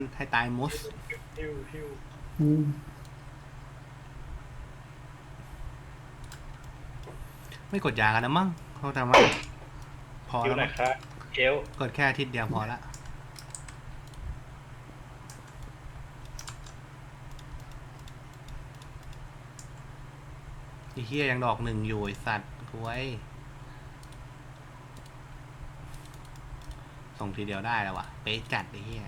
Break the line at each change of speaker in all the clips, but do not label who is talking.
ให้ตายมด
ฮิว
อืม
ไม่กดยากันนะมั้งเขาทำว่าพอ
ฮิว
แล้ว
หน่
มั้
อย
ง
ครับเอล
กดแค่อาทิตย์เดียวพอละไอ้เหี้ยยังดอกหนึ่งอยู่ไอ้สัตว์กูไว้ส่งทีเดียวได้แล้ววะเป๊ะจัดไอ้เหี้ย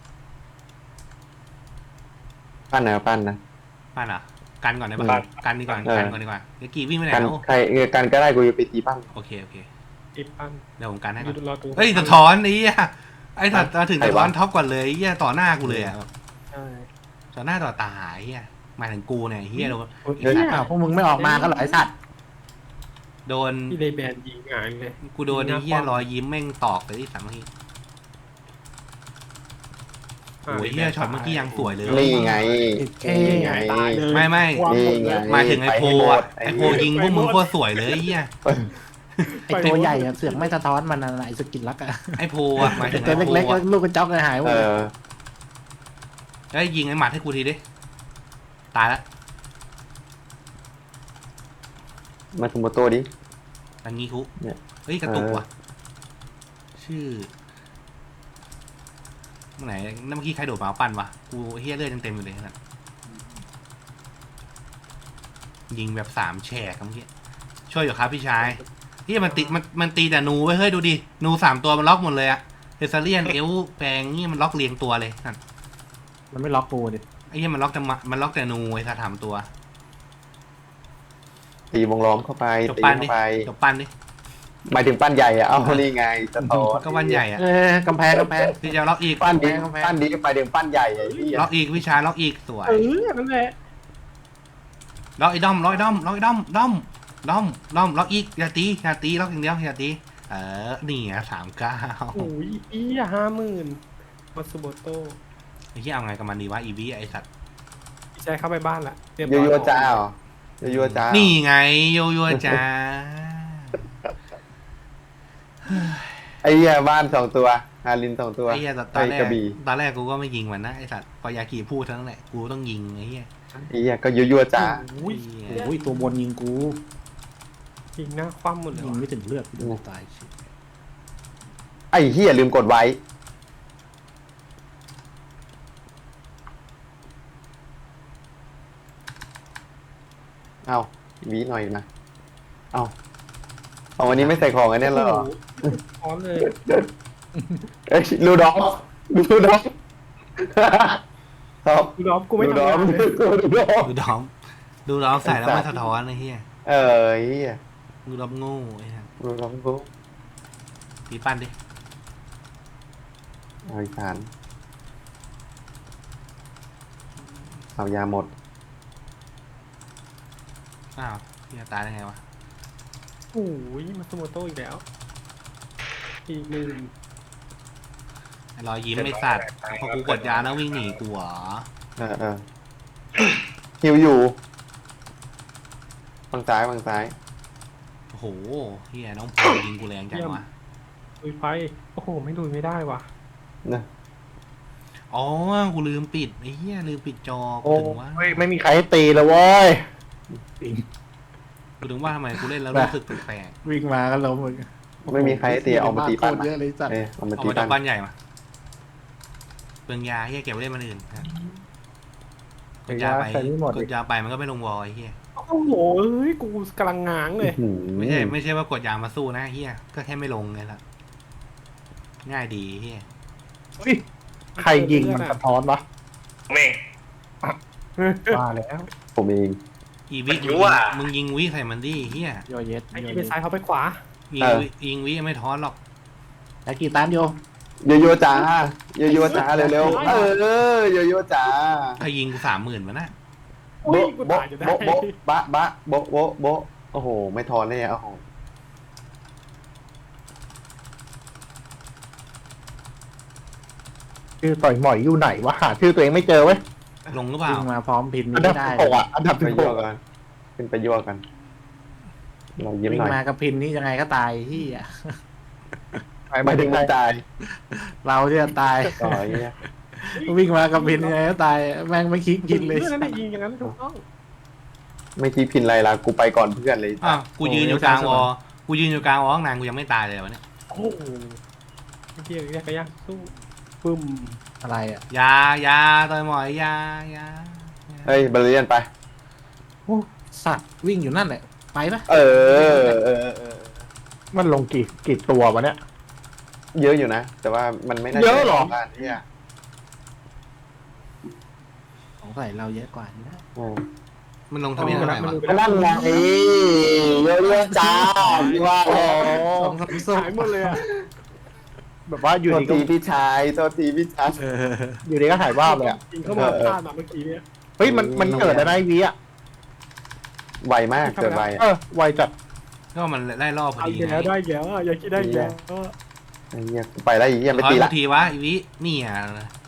ปั้นนะปั้นนะ
ปั้นอ่ะกันก่อนได้ปะกันดีกว่ากันก่อนดีกว่าเดี๋ยวกี่วิ่งไปไหน
กัน
แล้ว
ใครกันก็ได้กูจะไปตีปั้น
โอเคโอเค
อีปัน
เดี๋ยวผมกันให้ก่อน
รอดู
เฮ้ยสะท้อนไอ้เหี้ยไอ้สัตว์มาถึงสะท้อนท็อปก่อนเลยไอ้เหี้ยต่อหน้ากูเลยอ่ะ
ใช่
ต่อหน้าต่อตาไอ้เหี้ยหมายถึงกูเนี่ยไอ้เหี้ยโดน
เฮ้ยพวกมึงไม่ออกมาก็เหรอไอสัตว์
โดน
ที่เลยแบนยิงหายเลย
กูโดนไอ้เหี้ยรอยยิ้มแม่งตอกเลยที่สามเมื่อกี้โอ้ยเหี้ยช็อตเมื่อกี้ยังสวยเลย
นี่ไง
เท่
นี่ไง
ไม่
นี่ไง
หมายถึงไอโพอ่ะไอโพยิงพวกมึงโคตรสวยเลยไอ้เหี้ย
ไอตัวใหญ่อะเสือกไม่สะท้อนมันอะไรสกินลักอะ
ไอโพอ่ะหมายถึงไอ
ตัว
โพ
เล็กๆก็
อ่ะ
ลูกกระจอกเลยหายหม
เอ
ด
อ
แล้วยิงไอหมัดให้กูทีดิตายละ
มาทุมโมโตดิ
อันนี้คุ
เนี่ย
เฮ้ยกระตุกว่ะชื่อเมื่อไหร่นั่นเมื่อกี้ใครโดดมาเอาปั้นวะกูเฮียเลือดยังเต็มอยู่เลยนะยิงแบบ3แฉกเมื่อกี้ช่วยอยู่ครับพี่ชายเฮียมันตีแต่นูไว้เฮ้ยดูดินู3ตัวมันล็อกหมดเลยอะเฮซาเลียนเอลแปลงนี่มันล็อกเรียงตัวเลยนั่น
มันไม่ล็อกกูดิ
ไอ้เฮียมันล็อกแต่นูไอ้สามตัว
ตีวงล้อมเข้าไป
จบ
ตี
ปั้นดิ
เข้าไป
จบปั้นดิ
หมายถึงปั้นใหญ่อะเอานี่ไงสะท้อน
ก็วันใหญ่อะ
กำแพง
พี่จะล็อกอีก
ปั้นดิ
กำแพง
ปั้นดิไปถึงปั้นใหญ่ไอ้ที่
ล็อกอีกพี่ชายล็อกอีกสวย
นั่นแหละ
ล็อกไอ้ด้อมล็อกไอ้ด้อมล็อกไอ้ด้อมด้อมล็อกอีกอย่าตีล็อกอย่างเดียวอย่าตีนี่อ่ะ39
โอ้ยอี50,000มาสุโบโต
ไอ้ที่เอาไงกับมันดีวะอีวีไอ้สัตว์
พี่ชายเข้าไปบ้านละเรียบ
โย
ร้อย
โย่จ้าเหรอโยโย่จ้า
นี่ไงโยโย่จ้า
ไอ้เหี้ยบ้าน2 ตัวฮาริน2 ตัว
ไอ้เหี้ยต
ไป
อนแร
ก
ก
ระบี่
กูก็ไม่ยิงมันนะไอ้สัตว์พอยากิพูดเท่านั้นแหละกูต้องยิงไอ้เหี้ย
ไอ้เหี้ยก็โยโย่จ้า
โอ้ย
โอ้ยตัวบนยิงกู
ยิงหน้าคว่ำหมดเลย
ยิง
ว่ะ
ไม่ถึงเลือดกูตาย
ไอ้เหี้ยลืมกดไว้เอาวีหน่อยนะเอาวันนี้ไม่ใส่ของอันนี้เหรอ
พร้อมเลย
เอ้ยลูดอฟครับ
ดูดอฟกูไม่
ลูด
ทำ
อฟ
งานเลย
ลูดอฟ
ดูดอมใส่แล้วมันสะท้อนไอ้เหี้ย
เออเหี้ย
ดูดอมโง่ไอ้เหี้ย
ลูดอฟกู
ตีปั้นดิ
เอาอีสานเอายาหมด
อ้าวเหี้ยตายได้ไงวะ
โอ้ยมาสุโบโตอีกแล้วอีกหนึ่ง
ไอ้รอยยิ้มไอ้สัตว์พอกูกดยาแล้ววิ่งหนีกูเหรอ
เออหิวอยู่ฝั่งซ้าย
โอ้โหเฮียน้องพลยิงกูแรงจังวะ
ลุยไฟโอ้โหไม่ลุยไม่ได้ว่ะ
นะ
อ๋อกูลืมปิดไอ้เฮียลืมปิดจอกู
โอ้
ถึงว่า
ยไม่มีใครตีเลยเว้ย
กูถึงว่าทำไมกูเล่นแล้วรู้สึกแปลก
วิ่งมาก็ล้มมึง
ไม่มีใครให้ตีเอามาตีปั้น
เยอะเลยสัตว์
เอามา
เอา
ตี
มาจาก
ปั้
บ้าน นใหญ่มาเปลืองยาเฮียเก็บไว้เล่นมันอื่นครับกดยาไป
ใส่ไม่หมด
กดยาไปมันก็ไม่ลงวอลไอ้เฮีย
โอ้โหเอ้ยกูกำลังง้างเลย
ไม่ใช่ว่ากดยามาสู้นะเฮียก็แค่ไม่ลงไงล่ะง่ายดีเฮีย
ใครยิงมันสะท้อนวะ
แม่ง
ว่าแล้ว
ผมเอง
อีวิ
มันยั่ว
มึงยิงวิใส่มันดิเฮีย
โยเยส
ไอ้ที่ไปซ้ายเขาไปขวา
ยิงวิไม่ท้อนหรอก
แล้วกี่ตามโย
โยโย่จ้าโยโย่จ้าเร็วๆโยโย่จ้า
ใครยิงกู30,000มันนะ
โอ้ยกู
โบ๊ะ
ตายจะได้
โบ๊ะโบ๊ะบะโบ๊ะโบ๊ะโอ้โหไม่ทอนเลยอ่ะโอ้โห
ชื่อต่อยหมอยอยู่ไหนวะหาชื่อตัวเองไม่เจอเว้ย
ลงหรือเปล่า
วิ่งมาพร้อมพิน
อั
นี้
นดับ
ไม่ได้
16อ่ะอันดับ16กันขึ้นไปยั่วกันเรายิ้ม
วิ่
ห
ง
น่อย
มากับพินนี่ยังไงก็ตายที่อ่ะ
หมายถึงมันตาย
เราที่จะตาย
ต่อไอ้เงี้ย
วิ่งมากับพินไงก็ตายแม่งไม่คิดกินเลย
เพื่อนนั่นได้ยิงอย่างนั้นถูกต้อง
ไม่คิดพินไรละกูไปก่อนเพื่อนเลย
อ้าวกูยืนอยู่กลางวอกูยืนอยู่กลางวอข้างนานกูยังไม่ตายเลยวะเนี่ย
โอ้โหไอ้เหี้ยยากก็ยากสู้ปึ้ม
อะไรอ่ะ
ยาต่อยหมอยยา
เฮ้ยบาเลียนไป
โอ้สัตว์วิ่งอยู่นั่นแหละไปปะ
เออ
มันลงกี่ตัววะเนี่ย
เยอะอยู่นะ แต่ว่ามันไม่น่า
เยอะเหรอ
บ้านเนี่ย
ของใส่เราเยอะกว่านี่นะ
มันลงทะเบียนเท่าไหร่วะ
ก็นั่นไงเยอะๆจ้าพี่ว่า
โอ้
สองสามส้ม
หายหมดเลยอ่ะ
แบบว่าอยู่
โทษ
ดีก็
ทีพี่ชายโทษทีพี่ชาย
อยู่ดีก็ถ่ายว่าบเลยอ่ะ
ยิงเข้ามาพลาดมาเมื่อกี้เนี่ย
เฮ้ยมันเกิดอะไรนะไอ้วีอ่ะ
ไวมากเกิดไว
ไวจัด
ก็มันไล่ล่อพอ
เอา
ดี
อีกแล้วได้อีกแล้วอ่ะอย่าคิดได้อีกแล้ว
ไอ้เหี้ยกูไปแล้วไอ้เหี้ยไม่
ร้อย
ตี
กู
ละ
ทีวะอีวินี่อ่ะ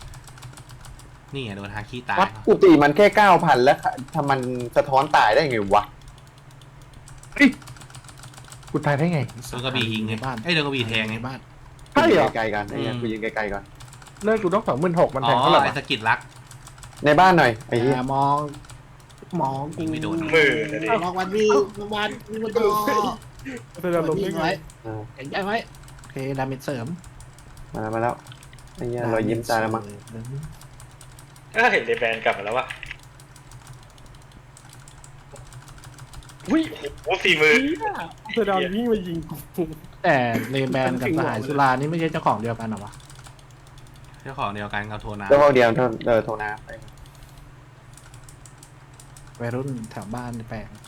โดนฮาคิตาย
วัดกูตีมันแค่ 9,000 แล้วทำมันสะท้อนตายได้ไงวะ
กูตายได้ไง
โดนกระบี่ยิงไง
ในบ้าน
ไอ้ยโดนกระบี่แทงไง
ในบ้าน
ใช่เหรอ
ไกลๆกันไอ้เหี้ยกูยิงไกลๆก่อน
เลิกกูต้อง26,000มัน
อ๋
แท
อง
เท่าไหร่
ไอ้
วะ
สกิดรัก
ในบ้านหน่อยไอ้เหี้ย
มองกู
ยิงไม่โดน
มองวันวิ่งวันมันต่อ
แสดงลมได้
วิ่ง
ไง
ไว้แข็งใจไว้โอเคดาเมจเสริม
มาแล้วไอ้เหี้ยรอยยิ้มตายแล้วมั้ง
ก็เห็นเดแบนกลับมาแล้ววะ
อุ้ย
โอ้สี่มือ
แสดงวิ่งมายิงกู
แต่เลแบนกับสหายสุรานี่ไม่ใช่เจ้าของเดียวกันเหรอวะ
เจ้าของเดียวกันกับโทนา
แล้วพอเดียวโทรน้ำไป
วัยรุ่นแถวบ้านแปลง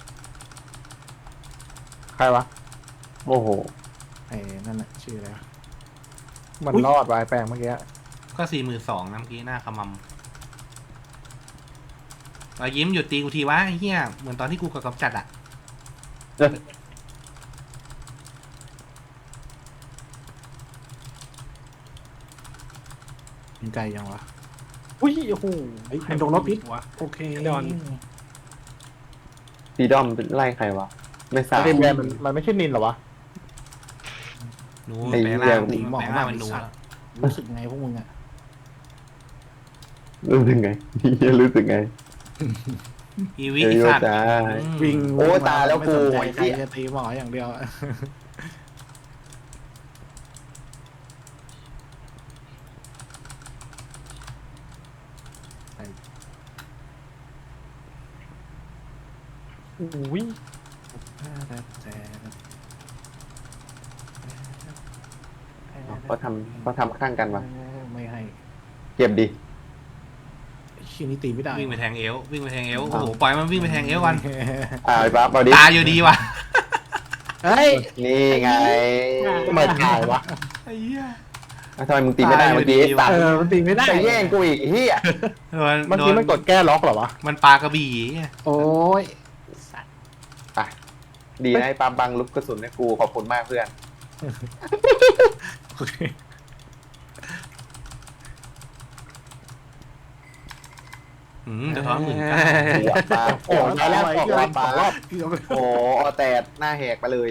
ใครวะ
โอ้โห
ไอ้นั่นน่ะชื่ออะไรวะ
มันรอดวายแปลงเมื่อกี้
ก็42,000นะเมื่อกี้หน้าขมำรอยยิ้มหยุดตีกูทีวะไอ้เหี้ยเหมือนตอนที่กูกับกำจัดอ่ะ
ยิงไกลยังวะ
อุ้ยโอ้โห
เฮ้ยมันโดนรถพิษ
วะ
โอเค
ดอน
ฟีดอมไล่ใครวะ ไม่ทราบ
เรนแบนมันไม่ใช่นินเหรอวะ
หนู
ไอ้
แปลง
เหี้ย
ร่าง
ตีหมอ
แปลง
มา
ร่าง
ก
เป็นหนู
สัต
อะ
ว์รู้สึกไงพวกมึงอ่ะ
รู้สึกไงเหี้ยรู้สึกไง
อีวิ
เย
อี
อะ
สัตว์
ๆจ้า
วิ่ง
โอ้ตายแล้ว
ไม่สนใจ
กู
ใครจะตีหมออย่างเดียวอะ
อุ้ย
เขาทำข้างกันวะ
ไม่ให้
เก็บดิ
ชิ้นนี้ตีไม่ได้
วิ่งไปแทงเอววิ่งไปแทงเอวโอ้โหปล่อยมันวิ่งไปแทงเอวกัน
ไอ้ปั๊บเอาดิ
ตายอยู่ดีว่ะ
เฮ้ย
นี่ไง
ทำไมตายวะ
ไอ้เหี้ย
ทำไมมึงตีไม่ได้เมื่อกี้
ตายอยู่ดี
ตัด
มันตีไม่ได้
จะแย่งกูอีกเฮีย
โดน
เมื่อ
โด
กี้
น
มันกดแก้ล็อกเหรอวะ
มันปลากระบี่ไง
โอ้ย
ไปดีนะไอ้ปั๊บบังลุกกระสุนให้กูขอบคุณมากเพื่อน
โอเค
จะท้อนหมื่น
หัวปลาโอ้ยแล้วออกรอบปลา
รอบ
โอ้เอาแต่หน้าแหกไปเลย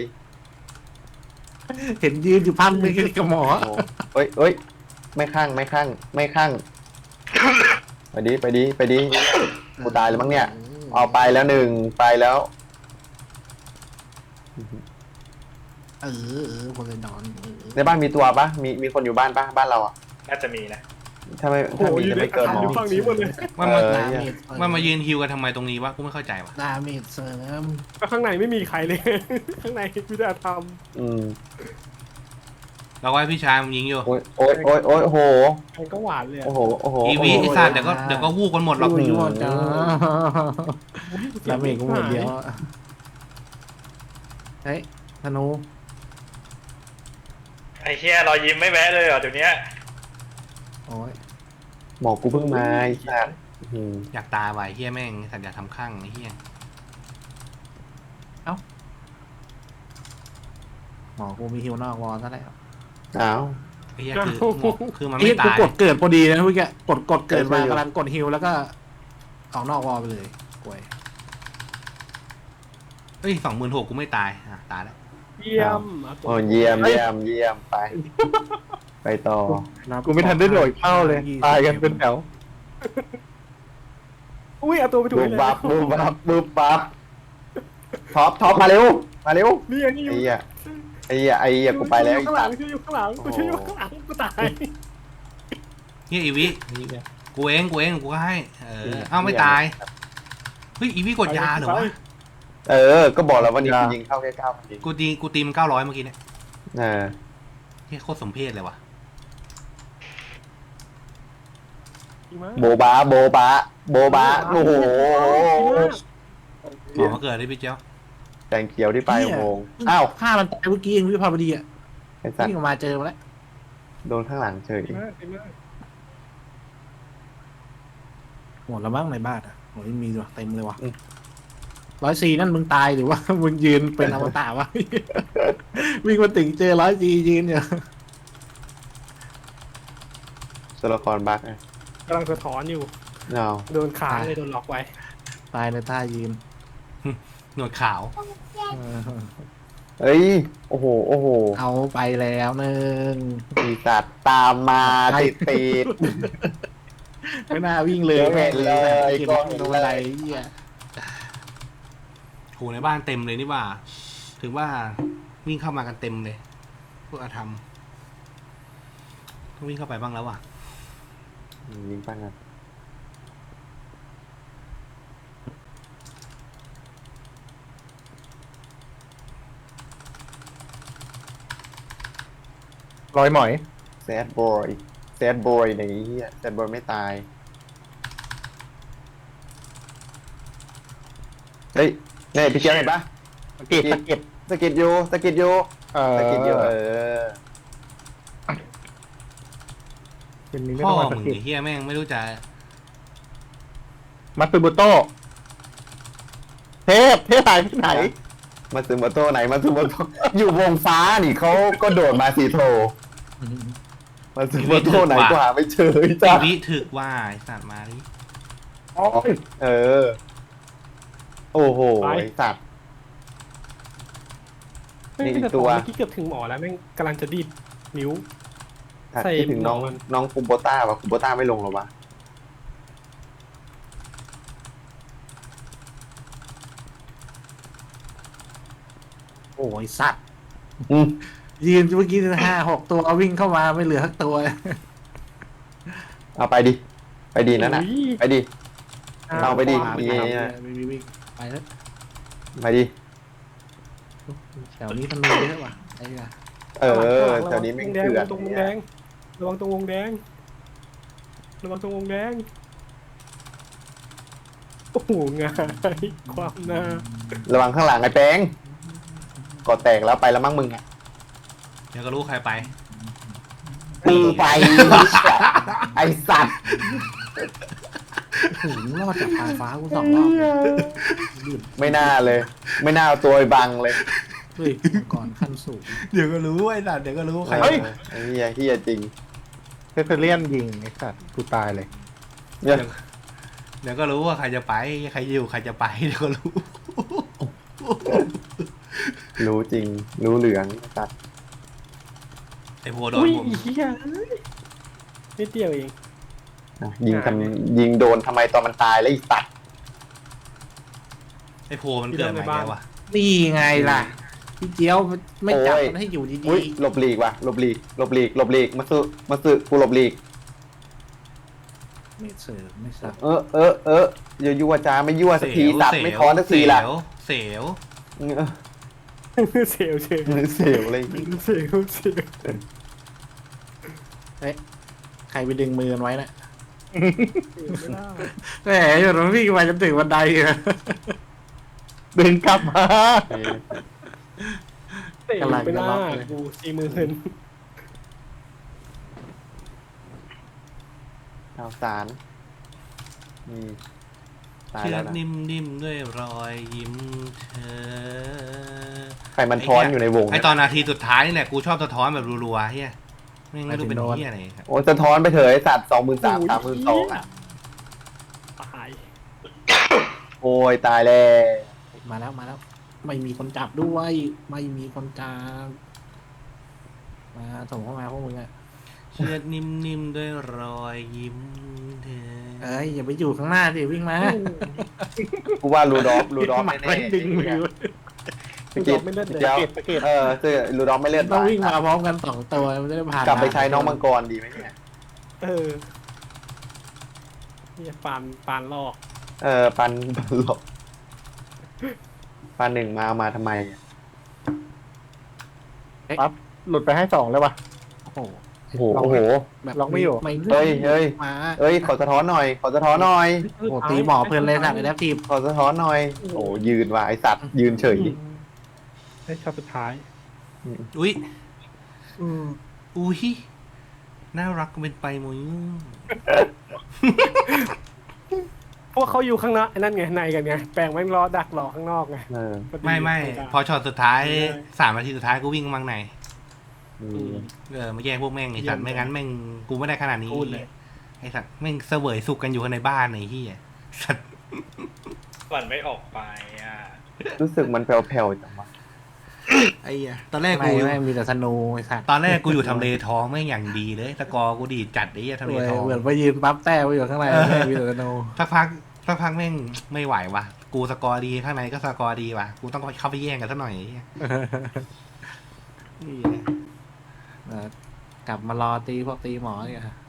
เห็นยืนอยู่พันมือกับหมอ
โอ้ยเอ้ยไม่ข้างไม่ข้างไม่ข้างไปดิกูตายแล้วมั้งเนี่ยเอาไปแล้วหนึ่งไปแล้ว
พลนอน
ในบ้านมีตัวปะมีคนอยู่บ้านปะบ้านเราอ่ะ
น่าจะมีนะ
ถ้าไม่
โอ้โห
ถ้ามี
อยู่
จะ
ใน
ไม่เกินหมอ
อยู่ฝั่งนี้หมดเลย
มัน
เอ
มา
อ
มันมายืนฮิวกันทำไมตรงนี้วะกูไม่เข้าใจวะ
ดาเมจเสริม
ก็ข้างในไม่มีใครเลย ข้างในพิธาท
อืม
เราก็ให้พี่ชายมันยิงอยู่
โอ้ยโอ้โห
ำใครก็หวานเลยอะ
โอ้โห
อีวิไอสัตว์เดี๋ยวก็วูบกันหมดหรอก
ยั่วจ้าดาเมจก็หมดเดียวเฮ้ยธนู
ไอ้เฮียรอยยิ้มไม่แวะเลยเหรอเดี๋ยวนี้
โอ้ย
หมอกูเพิ่งมาไอ้สัตว์อืม
อยากตายว่ะไอ้เฮียแม่งสัตว์อยากทำข้างไอ้เฮีย
หมอกูมีฮิวนอกวอลซะแล้ว
อ้าว
ไอ้เฮียคือมัน
เอ้
ไม่
กู
ตาย
กดเกิดพอดีนะเมื่อกี้กดเกิดมา
ใช่
กำลังกดฮิวแล้วก็ออกนอกวอลไปเลยกวย
เฮ้ย26,000กูไม่ตายตายแล้ว
เยี่ยม
โอ้เยี่ยมไปไปต่อ
กูไม่ทันได้โดดเข้าเลย ตายกันเป็นแถว
อุ้ยเอาตัวไปถูก
บู
เล
ม
ย
บับบูมบับบูมบับท็อปมาเร็วมาเร็ว
นี่ไงนี่อ
ไอ้
ยู่
เหี้ยไอ้เหี้ยกูไปแล้ว
ข้างหลังช่วยอยู่ข้างหลังกูช่วยอยู่ข้างหลังกูตาย
เนี่ยอีวิกูเองกูก็ให้เอ้าไม่ตายเฮ้ยอีวิกดยาเหรอวะ
ก็บอกแล้ววันนี้กูยิงเข้าแค่9นาที
กูตีมัน900เมื่อกี้เนี่ย
เออ
เฮ้ยโคตรสมเพชเลยว่ะ
โบบาโบบาโบบาโอ้โห
ขอมาเกิดได้พี่เจ้า
แดงเขียวที่ปลายอุโมงค์อ้าว
ฆ่ามันตายเมื่อกี้เองวิภาวดีอ่ะ
ไอ้สัต
วิ่ง
ว์
ออกมาเจอมาแล้ว
โดนข้างหลังเฉย
หมดแล้วมั้งในบ้านอ่ะโอ้ยมีว่ะเต็มเลยว่ะ104นั่นมึงตายหรือว่า มึงยืนเป็นอมตะวะ วิ่งมาถึงเจอ104ยืนอยู่
ตัวละครบั๊กไง
กำลังสะท้อนอยู่
เนาะ
โดนค้างเลยโดนล็อกไว้
ตายในท่ายืน
หนวดขาว
เออ
เอ้ยโอ้โหโอ้โห
เอาไปแล้วหนึ่ง
มีสัตว์ตามมาติด
ไม่น่าวิ่งเลย
เห็นเลย
กิน
ก็เห็นเลย
โดนอะไรเหี้ย
โหในบ้านเต็มเลยนี่ว่า ถือว่าวิ่งเข้ามากันเต็มเลย พวกอาธรรมต้องวิ่งเข้าไปบ้างแล้วว่ะ
ยิงปังกัน
รอยหมอย
แซดบอยแซดบอยในนี้แซดบอยไม่ตายเฮ้ยเนี่ยพี่เจ้าเห็นปะ
สะกิดสะกิด
สกิดอยู่สกิดอยู่
เออ
สกิดอยู่อ
เป็นนี้ไม่
พ่
ต้
อ
องมาสะ
มึง
กิด
ไอ้เฮียแม่งไม่รู้จะ
มัตสึโมโต้เทพหายไปไหน
มาซึโมโต้ไหนมาซึโมโต้ อยู่วงฟ้านี่เขาก็โดดมาสีโทมาซึโมโต้ไหนก็หาไม่เจอ
อี
จ้า
วิถึกว่าไอ้สัตว์มาดิ
เออ โอ้โหไอ้สัตว์
ไม่เป็นตัวเมื่อกี้เกือบถึงหมอแล้วแม่งกำลังจะดีดนิ้ว ใส่
คิดถึงน้อง
หมอน
น้องคุมโบต้าว่ะคุมโบต้าไม่ลงหรอวะ
โอ้ยสัตว์
อืม
ยืนเมื่อกี้5-6 ตัววิ่งเข้ามาไม่เหลือสักตัว
เอาไปดิไปดีนั่นน่ะ
อุ้ย
ไปดิ เอาไปดิ
ขว
มี
วิ่งไปแล้ว
ไปดิ
แถวนี้มันมีเยอะว่ะไอ้เนี่ย
แถวนี้ไม่
แดง
เถื่อน
ตรงวงแดงระวังตรงวงแดงระวังตรงวงแดงโอ้โหงายความหน้า
ระวังข้างหลังไอ้แป้งก่อแตกแล้วไปแล้วมั้งมึงอ่ะ
เดี๋ยวก็รู้ใครไป
มึงไป ไอ้สัตว์
ถึงรอดจากทางฟ้ากู2 รอบลื่น
ไม่น่าเลย ไม่น่าเอาตัวไปบังเลย
เฮ้ยก่อนขั้นสูง
เดี๋ยวก็รู้ไอ้สัตว์เดี๋ยวก็รู้ใคร
เฮ้ย
ไอ้เฮียจริง
เทเลียนยิงไอ้สัตว์กูตายเลย
เนี่ย
เดี๋ยวก็รู้ว่าใครจะไปใครอยู่ใครจะไปเดี๋ยวก็รู้
รู้จริง รู้เหลืองสัตว์
ไอ้โพโดน
อุ้ย
ผม
เฮียนิดเดียวเอง
ยิงโดนทำไมตอนมันตายแล้วอีสัตว์
ไอ้โพมันเกิดมาแล้วว่ะ
นี่ไงล่ะพี่เจียวไม่จับมันให้อยู่ดี
อุ้ยหลบหลีกว่ะหลบหลีกมาซื้อกูหลบหลีก
ๆไม่เสิร์ฟไม่สับ
อย่ายั่วจ้าไม่ยั่วสักทีสัตว์ไม่ท้อนสักทีล่ะ
เสียว
เสียว
เสียวเลย
เสียว
ใครไปดึงมือมันไว้นะ
ไม่ได้
แหมอยู่ตรงพี่มาจนถึงบันไดเลย
ดึงกลับมา
เสียวไปหน้ากู40,000
ข่าวสารตาย
เชื
แล้
อ
ว
ก
นะ
นิ่มๆด้วยรอยยิ้มเธอ
ใครมันท้อนอยู่ในวง
ไอตอนนาทีสุดท้ายนี่แหละกูชอบสะท้อนแบบรัวๆเฮียไม่รู้เป็นเฮียอะไรครับ
โอ้จะท้อนไปเถอะไอสัตว์23,000 32,000อ่ะ
ตาย
โอ้ยตายแล้ว
มาแล้วไม่มีคนจับด้วยไม่มีคนจับมาส่งเข้ามาพวกมึงอะ
เชือดนิ่มๆด้วยรอยยิ้มเธอ
เอ้ยอย่าไปอยู่ข้างหน้าสิวิ่งมา
กูว่ารูดอฟ
หมัด
แน่
ไว้ดึงมือ
ๆพี่กิต
ไม่เลือด
พี่
เดี๋ยว
เจ้า
เกตเกต
เจอรูดอฟไม่เลือด
ต้อง
ตาย
วิ่งมาพร้อมกัน2 ตัวมันจะได้ผ่าน
กลับไปใช้น้องมังกรดีไหมเนี่ย
เออเนี่ยปานลอก
ปันหลบปันหนึ่งมาทำไม
ปั๊บหลุดไปให้2เลยว่ะ
โอ้โห
โอ้โห
แบบ
ล็อกไม่อยู่
เฮ้ย
มา
เอ้ยขอสะท้อนหน่อย
โอ้โหตีหมอเพลินเลยสัตว์ไอ้แดปทีม
ขอสะท้อนหน่อย โอ้ยืนว่ะไอสัตว์ยืนเฉย
ให้ชอบสุดท้าย
อุ้ยอุ้ยน่ารักเป็นไปมุ้ย
พวกเขาอยู่ข้างนอกไอ้นั่นไงในกันไงแปลงแม่งรอดักรอข้างนอกไง
ไม่พอช็อตสุดท้าย3 นาทีสุดท้ายกูวิ่งมังในมาแย่งพวกแม่งไอ้สัตว์ไม่งั้นแม่งกูไม่ได้ขนาดนี้ไอ้สัตว์แม่งเสวยสุกกันอยู่ในบ้านไอ้ที่สัตว์
มันไม่ออกไปอ่ะ
รู้สึกมันแผ่วๆจังวะ
ไอ้ตอนแรก
ไม่
กู
ไม่มีแต่สนูไอ้สัตว์
ตอนแรกกูอยู่ทำเลทองแม่งอย่างดีเลยสกอร์กูดีจัดไอ้ทำเลทอง
เหมือนไปยืนปั๊บแต้ไว้อยู่ข้างในไม่มีแต่สนู
สักพักแม่งไม่ไหววะกูสกอร์ดีข้างในก็สกอร์ดีวะกูต้องเข้าไปแย่งกันซะหน่อย
กลับมารอตีพวกตีหมอเนี่ย